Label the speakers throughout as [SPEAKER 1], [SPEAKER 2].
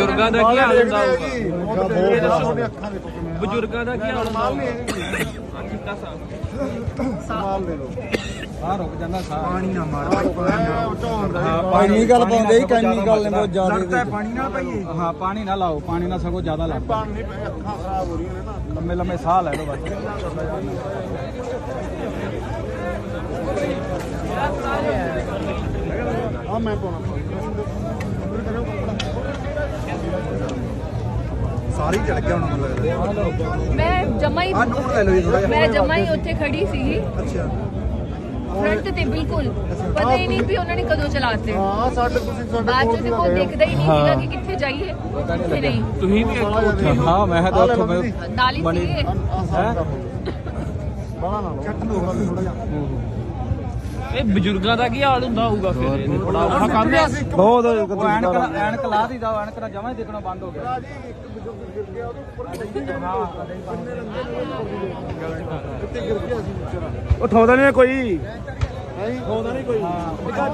[SPEAKER 1] ਬਜ਼ੁਰਗਾਂ ਦਾ ਕੀ ਹਾਲ ਹੁੰਦਾ ਹੋਊਗਾ ਬਜ਼ੁਰਗਾਂ ਦਾ ਕੀ ਹਾਲ ਹੁੰਦਾ
[SPEAKER 2] ਸਾਲ ਲੈ ਲਓ
[SPEAKER 3] ਆ ਰੁਕ ਜਾਂਦਾ ਸਾਹ
[SPEAKER 2] ਪਾਣੀ ਨਾ ਮਾਰ
[SPEAKER 3] ਕੈਮੀਕਲ ਪਾਉਂਦੇ ਹੀ ਕੈਮੀਕਲ ਨੇ ਬਹੁਤ ਜ਼ਿਆਦਾ
[SPEAKER 2] ਪਾਣੀ ਨਾਲ ਪਈਏ
[SPEAKER 3] ਹਾਂ ਪਾਣੀ ਨਾ ਲਾਓ ਪਾਣੀ ਨਾਲ ਸਗੋਂ ਜ਼ਿਆਦਾ ਲੱਗਦਾ
[SPEAKER 2] ਪਾਣੀ ਨਹੀਂ ਪਈ ਅੱਖਾਂ ਖਰਾਬ ਹੋ ਰਹੀਆਂ ਨੇ ਨਾ
[SPEAKER 3] ਲੰਮੇ ਲੰਮੇ ਸਾਹ ਲੈ ਲਓ ਬਸ
[SPEAKER 2] ਆ ਮੈਂ ਪਾਉਣਾ ਸਾਰੀ ਚੜ ਗਿਆ ਹੁਣ ਮੈਨੂੰ ਲੱਗਦਾ
[SPEAKER 4] ਮੈਂ ਜਮਾ ਹੀ
[SPEAKER 2] ਆ ਨੋਟ ਲੈ ਲਓ ਜੀ ਥੋੜਾ
[SPEAKER 4] ਮੈਂ ਜਮਾ ਹੀ ਉੱਥੇ ਖੜੀ ਸੀਗੀ
[SPEAKER 2] ਅੱਛਾ
[SPEAKER 4] ਫਰੰਟ ਤੇ ਬਿਲਕੁਲ ਪਤਾ ਹੀ ਨਹੀਂ ਵੀ ਉਹਨਾਂ ਨੇ ਕਦੋਂ ਚਲਾਤੇ
[SPEAKER 2] ਹਾਂ ਸਾਡੇ ਤੁਸੀਂ ਸਾਡੇ
[SPEAKER 4] ਬਾਅਦ ਚ ਕੋਈ ਦੇਖਦਾ ਹੀ ਨਹੀਂ ਸੀਗਾ ਕਿ ਕਿੱਥੇ ਜਾਈਏ ਕਿੱਥੇ ਨਹੀਂ
[SPEAKER 1] ਤੁਸੀਂ ਵੀ ਉੱਥੇ
[SPEAKER 3] ਹਾਂ ਮੈਂ ਤਾਂ ਉੱਥੋਂ ਮੈਂ
[SPEAKER 4] ਨਾਲ ਹੀ ਸੀਗੇ
[SPEAKER 2] ਬੜਾ ਨਾ ਚੱਟ ਲਓ ਥੋੜਾ ਜਿਹਾ
[SPEAKER 1] ਇਹ ਬਜ਼ੁਰਗਾਂ ਦਾ ਕੀ ਹਾਲ ਹੁੰਦਾ ਹੋਊਗਾ ਫਿਰ ਇਹ ਬੜਾ ਔਖਾ ਕੰਮ ਹੈ
[SPEAKER 3] ਬਹੁਤ ਐਨਕ ਲਾ ਦੀ ਦਾ ਐਨਕ ਨਾਲ ਜਮਾਂ ਹੀ ਦੇਖਣਾ ਬੰਦ ਹੋ ਗਿਆ
[SPEAKER 2] ਜੀ ਇੱਕ ਬਜ਼ੁਰਗ ਗਿਰ ਗਿਆ ਉਹਦੇ ਉੱਪਰ ਹਾਂ ਕਿੱਥੇ ਗਿਰ ਗਿਆ ਸੀ ਵਿਚਾਰਾ
[SPEAKER 3] ਉਠਾਉਂਦਾ ਨਹੀਂ ਕੋਈ
[SPEAKER 2] ਹੈ ਹੋਦਾ ਨਹੀਂ ਕੋਈ ਹਾਂ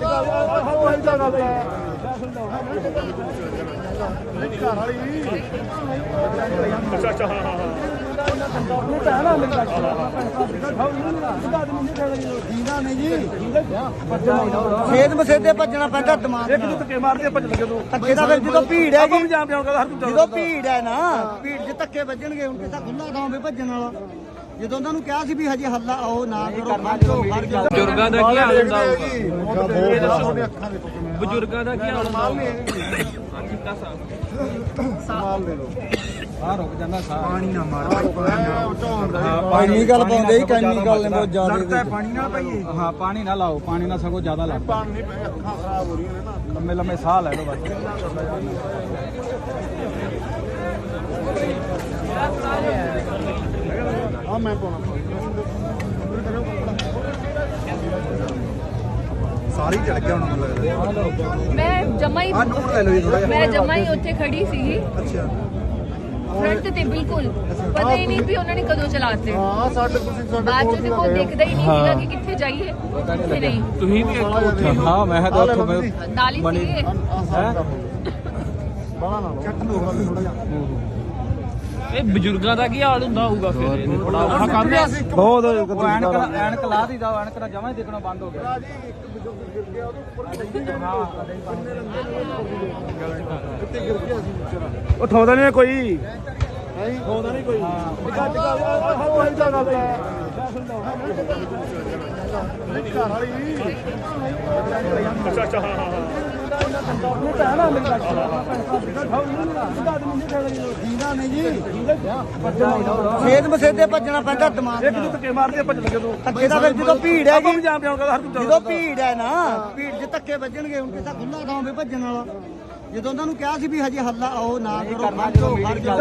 [SPEAKER 2] ਘਰ ਵਾਲੀ ਅੱਛਾ ਅੱਛਾ ਹਾਂ ਜੀਂਦਾ ਨਹੀਂ ਜੀ
[SPEAKER 5] ਛੇਦ ਮਸੇਦੇ ਭੱਜਣਾ ਪੈਂਦਾ ਦਿਮਾਗ
[SPEAKER 3] ਇੱਕ ਦੂ ਧੱਕੇ ਮਾਰਦੇ ਭੱਜ ਲੱਗੇ ਤੂੰ
[SPEAKER 5] ਧੱਕੇ ਦਾ ਫਿਰ ਜਦੋਂ ਭੀੜ ਹੈ ਜੀ
[SPEAKER 3] ਜਾਮ ਜਾਉਂਗਾ ਹਰ ਤੂੰ
[SPEAKER 5] ਜਦੋਂ ਭੀੜ ਹੈ ਨਾ ਭੀੜ 'ਚ ਧੱਕੇ ਵੱਜਣਗੇ ਹੁਣ ਕਿਤਾ ਖੁੱਲਾ ਥਾਂ ਵੀ ਭੱਜਣ ਵਾਲਾ ਜਦੋਂ ਉਹਨਾਂ ਨੂੰ ਕਿਹਾ ਸੀ ਵੀ ਹਜੇ ਹੱਲਾ ਆਓ ਨਾ ਕਰੋ ਖੜ ਜਾਓ
[SPEAKER 1] ਬਜ਼ੁਰਗਾਂ ਦਾ ਕੀ ਹਾਲ ਹੁੰਦਾ ਹੋਊਗਾ
[SPEAKER 2] ਤੁਹਾਡੇ ਅੱਖਾਂ ਦੇ
[SPEAKER 1] ਬਜ਼ੁਰਗਾਂ ਦਾ ਕੀ ਹਾਲ ਹੁੰਦਾ ਹੋਊਗਾ
[SPEAKER 2] ਸਾਲ ਲੈ ਲਓ
[SPEAKER 3] ਆ ਰੁਕ ਜਾਂਦਾ ਸਾਹ
[SPEAKER 2] ਪਾਣੀ ਨਾ ਮਾਰ
[SPEAKER 3] ਕੈਮੀਕਲ ਪਾਉਂਦੇ ਹੀ ਕੈਮੀਕਲ ਨੇ ਬਹੁਤ ਜ਼ਿਆਦਾ
[SPEAKER 2] ਪਾਣੀ ਨਾਲ ਪਈਏ
[SPEAKER 3] ਹਾਂ ਪਾਣੀ ਨਾ ਲਾਓ ਪਾਣੀ ਨਾਲ ਸਗੋਂ ਜ਼ਿਆਦਾ ਲੱਗਦਾ
[SPEAKER 2] ਪਾਣੀ ਨਹੀਂ ਪਈ ਅੱਖਾਂ ਖਰਾਬ ਹੋ ਰਹੀਆਂ ਨੇ ਨਾ
[SPEAKER 3] ਲੰਮੇ ਲੰਮੇ ਸਾਹ ਲੈ ਲਓ ਬਸ
[SPEAKER 2] ਆ ਮੈਂ ਪਾਉਣਾ ਸਾਰੀ ਚੜ ਗਿਆ ਹੁਣ ਮੈਨੂੰ ਲੱਗਦਾ
[SPEAKER 4] ਮੈਂ ਜਮਾ ਹੀ
[SPEAKER 2] ਆ ਨੋਟ ਲੈ ਲਓ ਜੀ ਥੋੜਾ ਜਿਹਾ
[SPEAKER 4] ਮੈਂ ਜਮਾ ਹੀ ਉੱਥੇ ਖੜੀ ਸੀਗੀ
[SPEAKER 2] ਅੱਛਾ
[SPEAKER 4] ਫਰੰਟ ਤੇ ਬਿਲਕੁਲ ਪਤਾ ਹੀ ਨਹੀਂ ਵੀ ਉਹਨਾਂ ਨੇ ਕਦੋਂ ਚਲਾਤੇ
[SPEAKER 2] ਹਾਂ ਸਾਡੇ ਤੁਸੀਂ ਸਾਡੇ
[SPEAKER 4] ਬਾਅਦ ਚ ਕੋਈ ਦੇਖਦਾ ਹੀ ਨਹੀਂ ਸੀਗਾ ਕਿ ਕਿੱਥੇ ਜਾਈਏ ਕਿੱਥੇ ਨਹੀਂ
[SPEAKER 1] ਤੁਸੀਂ ਵੀ ਉੱਥੇ
[SPEAKER 3] ਹਾਂ ਮੈਂ ਤਾਂ ਉੱਥੋਂ ਮੈਂ
[SPEAKER 4] ਨਾਲ ਹੀ ਸੀਗੇ
[SPEAKER 2] ਬੜਾ ਨਾ ਚੱਟ ਲਓ ਥੋੜਾ ਜਿਹਾ
[SPEAKER 1] ਇਹ ਬਜ਼ੁਰਗਾਂ ਦਾ ਕੀ ਹਾਲ ਹੁੰਦਾ ਹੋਊਗਾ ਫਿਰ ਇਹ ਬੜਾ ਔਖਾ ਕੰਮ ਹੈ
[SPEAKER 3] ਬਹੁਤ ਐਨਕ ਲਾ ਦੀ ਦਾ ਐਨਕ ਨਾਲ ਜਮਾਂ ਹੀ ਦੇਖਣਾ ਬੰਦ ਹੋ ਗਿਆ
[SPEAKER 2] ਜੀ ਇੱਕ ਬਜ਼ੁਰਗ ਗਿਰ ਗਿਆ ਉਹਦੇ ਉੱਪਰ ਹਾਂ ਕਿੱਥੇ ਗਿਰ ਗਿਆ ਸੀ ਵਿਚਾਰਾ
[SPEAKER 3] ਉਠਾਉਂਦਾ ਨਹੀਂ ਕੋਈ
[SPEAKER 2] ਹੈ ਹੋਦਾ ਨਹੀਂ ਕੋਈ ਹਾਂ ਘਰ ਵਾਲੀ ਅੱਛਾ ਅੱਛਾ
[SPEAKER 5] ਜੀਂਦਾ ਨਹੀਂ ਜੀ ਛੇਦ ਮਸੇਦੇ ਭੱਜਣਾ ਪੈਂਦਾ ਦਿਮਾਗ
[SPEAKER 3] ਇੱਕ ਦੂ ਧੱਕੇ ਮਾਰਦੇ ਭੱਜ ਲੱਗੇ ਤੂੰ
[SPEAKER 5] ਧੱਕੇ ਦਾ ਫਿਰ ਜਦੋਂ ਭੀੜ ਹੈ ਜੀ
[SPEAKER 3] ਜਾਮ ਜਾਉਂਗਾ ਹਰ ਤੂੰ
[SPEAKER 5] ਜਦੋਂ ਭੀੜ ਹੈ ਨਾ ਭੀੜ 'ਚ ਧੱਕੇ ਵੱਜਣਗੇ ਹੁਣ ਕਿਤਾ ਖੁੱਲਾ ਥਾਂ ਵੀ ਭੱਜਣ ਵਾਲਾ ਜਦੋਂ ਉਹਨਾਂ ਨੂੰ ਕਿਹਾ ਸੀ ਵੀ ਹਜੇ ਹੱਲਾ ਆਓ ਨਾ ਕਰੋ ਖੜ ਜਾਓ